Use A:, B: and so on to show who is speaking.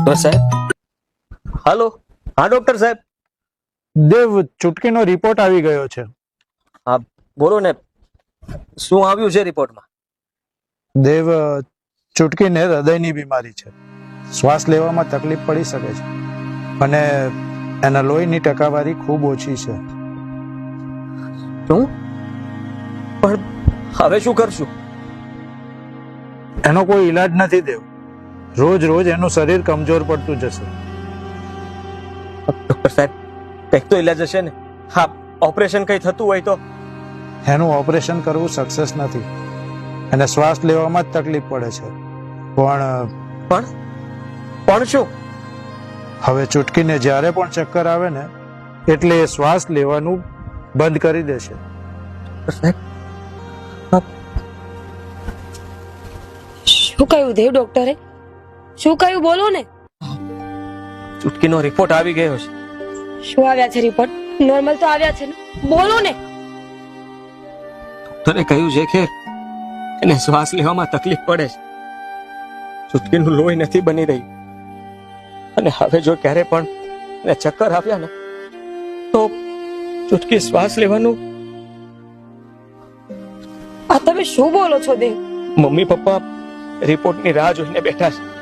A: Doctor સાહેબ, હાલો. હા doctor સાહેબ.
B: દેવ, ચૂટકીનો રિપોર્ટ આવી ગયો છે.
A: હા બોલો ને, શું આવ્યું છે રિપોર્ટમાં?
B: દેવ, ચૂટકીને હૃદયની બીમારી છે. શ્વાસ લેવામાં તકલીફ પડી શકે છે અને એના લોહીની ટકાવારી ખૂબ ઓછી છે.
A: શું? પણ હવે શું કરશું?
B: એનો કોઈ ઈલાજ નથી દેવ. રોજ રોજ એનું શરીર કમજોર પડતું જશે.
A: ડોક્ટર સાહેબ, કંઈક તો ઈલાજ હશે ને? હા, ઓપરેશન કંઈ થતું હોય તો?
B: એનું ઓપરેશન કરવું સક્સેસ નથી. એને શ્વાસ લેવામાં જ તકલીફ પડે છે.
A: પણ શું?
B: હવે ચૂટકીને જ્યારે પણ ચક્કર આવે ને એટલે એ શ્વાસ લેવાનું બંધ કરી દેશે.
A: સાહેબ,
C: શું કહ્યું દેવ ડોક્ટરે? શું કહ્યું બોલો ને.
A: ચૂટકીનો રિપોર્ટ આવી ગયો છે.
C: શું આવ્યા છે રિપોર્ટ? નોર્મલ તો આવ્યા છે ને, બોલો ને.
A: ડોક્ટરે કહ્યું છે કે એને શ્વાસ લેવામાં તકલીફ પડે છે. ચૂટકીનું લોહી નથી બની રહ્યું અને હવે જો ક્યારે પણ એને ચક્કર આવ્યા ને તો ચૂટકી શ્વાસ લેવાનું.
C: આ તમે શું બોલો છો દેવ?
A: મમ્મી પપ્પા રિપોર્ટની રાહ જોઈને બેઠા છે.